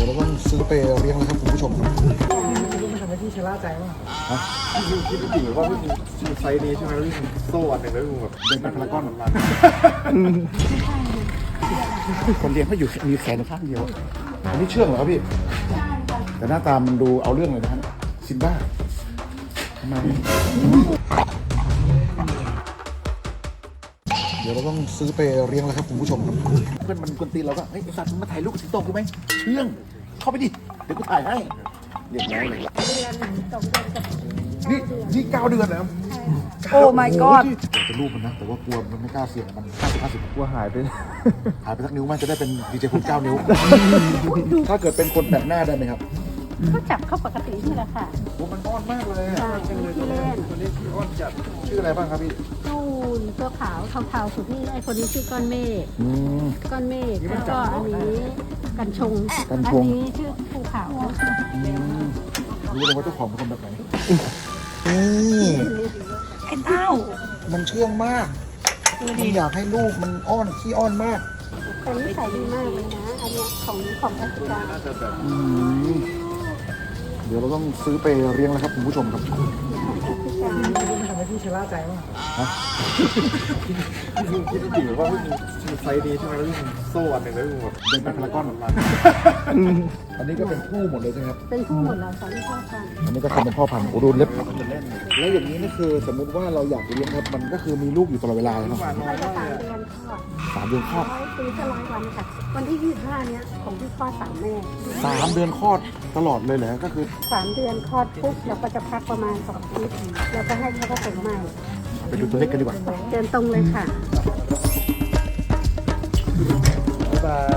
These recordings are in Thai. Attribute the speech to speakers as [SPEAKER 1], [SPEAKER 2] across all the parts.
[SPEAKER 1] เราต้องซื้อไปเลี้ยงแล้วครับคุณผู้ชมครับ
[SPEAKER 2] รู้มันทำให้พี่ชะล่าใจมากพี่คิดจริงหรือว่าพี่มีไซส์นี้ใช่ไหมแล้วพี่มีโซ่อันหนึ่งแล้วพี่แบบเดินไปพารากอนมัน
[SPEAKER 1] คนเลี้ยงเขาอยู่มีแขนข้างเดียวอันนี้เชื่องเหรอครับพี่แต่หน้าตามันดูเอาเรื่องเลยนะฮะซิมบ้าทำไมเดี๋ยวเราต้องซื้อไปเลี้ยงแล้วครับคุณผู้ชมครับเพื่อนมันกวนตีนเราก็เฮ้ยไอ้สัตว์มึงมาถ่ายรูปกับสิงโตกูไหมเชื่องเข้าไปดิเดี๋ยวกูถ่ายให้เรียบร้อยเลยนี่9 เดือนแล้ว
[SPEAKER 3] โอ้ my god
[SPEAKER 1] จะรูปมันนะแต่ว่ากลัวมันไม่กล้าเสี่ยงมัน50
[SPEAKER 2] กลัวหายไป
[SPEAKER 1] หายไปสักนิ้วมันจะได้เป็นดีเจพุทธ9 นิ้วถ้าเกิดเป็นคนแปลกหน้าได้ไหมครับ
[SPEAKER 3] เขาจับเข้าปกตินี่แหละค่ะ
[SPEAKER 1] โอ้มันอ้อนมากเลย
[SPEAKER 3] ใช่ที่เล่น
[SPEAKER 2] คนนี้พี่อ้อนจัด
[SPEAKER 1] ชื่ออะไรบ้างครับพี่
[SPEAKER 3] นู่นตัวขาวเทาๆสุดนี่ไอ้คนนี้ชื่อก้อนเมฆ ก้อนเมฆแล้วก็อันนี้กันชง อันนี้ชื่อภูเขา
[SPEAKER 1] รู้เลยว่าเจ้าของเป็นคนแบบไหนนี่
[SPEAKER 3] ไอ้เต้า
[SPEAKER 1] มันเชื่องมากมันอยากให้ลูกมันอ้อนขี้อ้อนมาก
[SPEAKER 3] แต่นิสัยดีมากเลยนะ อันเนี้ยของแอฟริกา
[SPEAKER 2] น่าจะแบบ
[SPEAKER 1] เดี๋ยวเราต้องซื้อไปเลี้ยงแล้วครับคุณผู้ชมครับ
[SPEAKER 2] รู้มันทำให้พี่ชะล่าใจมากพี่คิดจริงหรือว่าพี่มีไซส์นี้ใช่ไหมแล้วพี่มีโซ่อันหนึ่งแล้วพี่แบบเดินไปพารากอนมัน
[SPEAKER 1] อันนี้ก็เป็นคู่หมดเลยใช่ไหมครับ
[SPEAKER 3] เป็นคู่หมดแล้วสองพ่อกัน
[SPEAKER 1] อันนี้ก็ทำเป็นพ่อพันธุ์โอ้ดูเล็บแล้วอย่างนี้นี่คือสมมุติว่าเราอยากเลี้ยงครับมันก็คือมีลูกอยู่ตลอดเวลาเลยเนาะ
[SPEAKER 3] เราจะ3 เดือนคลอด
[SPEAKER 1] 3 เดือนคลอด
[SPEAKER 3] ปีจะ100 วันค่ะ วันที่25เนี้ยของพี่คลอด3 แม่
[SPEAKER 1] 3 เดือนคลอดตลอดเลยเหรอก็คือ
[SPEAKER 3] 3 เดือนคลอดปุ๊บเราก็จะพักประมาณ2 อาทิตย์เราก็ให้เขาผสมใหม่
[SPEAKER 1] ไปดูตัวเล็กกันดีกว่า
[SPEAKER 3] เดินตรงเลยค่ะ
[SPEAKER 2] บ๊ายบาย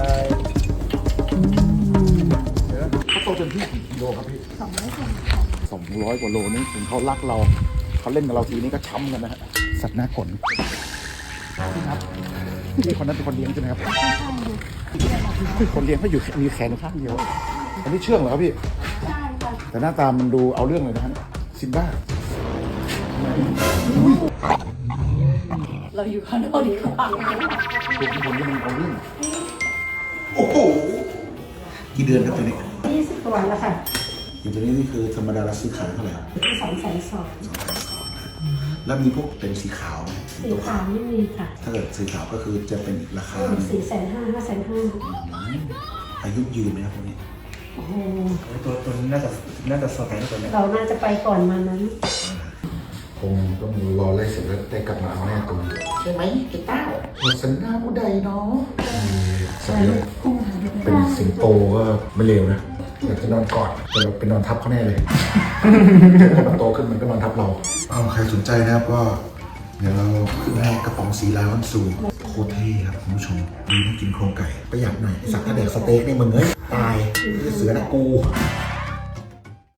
[SPEAKER 1] เขาโตจนที่กี่กิโลครับพี่200 กว่าโลนี่ถึงเขารักเราเขาเล่นกับเราทีนี้ก็ช้ำกันนะฮะสัตว์หน้าขนพี่ครับพี่คนนั้นเป็นคนเลี้ยงใช่ไหมครับคนเลี้ยงเขาอยู่มีแขนข้างเดียวอันนี้เชื่องเหรอครับพี่แต่หน้าตามันดูเอาเรื่องเลยนะฮะซิมบ้า
[SPEAKER 3] เราอยู่ข้างนอกดีกว่า
[SPEAKER 1] ตัวคนที่มันเอาเรื่องโอ้โหกี่เดือนครับตัวนี้
[SPEAKER 3] 20 ตัวแล้วค่ะ
[SPEAKER 1] อย่างตัวนี้นี่คือธรรมดาเราซื้อขายเท่าไหร่ครับ
[SPEAKER 3] 200,000
[SPEAKER 1] แล้วมีพวกเป็นสีขาวไหม
[SPEAKER 3] สีขาวไม่มีค่ะ
[SPEAKER 1] ถ้าเกิดสีขาวก็คือจะเป็นอีกราคา
[SPEAKER 3] 450,000 550,000
[SPEAKER 1] อายุยืนไหมครับพวกนี้
[SPEAKER 3] โอ้โห
[SPEAKER 2] ตัวนี้น่าจะสแตนตัวนี้
[SPEAKER 3] เราน่าจะไปก่อนมานั้น
[SPEAKER 1] คงต้องรอไล่เสร็จแล้วได้กลับมาเอาแน่ตัวใช่ไหมไอ้เต้าหมดสัญญาผู้ใดเนาะสัญญาเป็นสิงโตก็ไม่เลวนะอยากจะนอนกอดแต่เราเป็นนอนทับเขาแน่เลยพอมันโตขึ้นมันก็นอนทับเราใครสนใจนะครับก็เดี๋ยวเราขึ้นให้กระป๋องสีลาวันสูโคตรเท่ครับคุณผู้ชมดีนะกินโครงไก่ประหยัดหน่อยสักถ้าแดกสเต็กนี่มึงเอ้ยตายเสือนะกู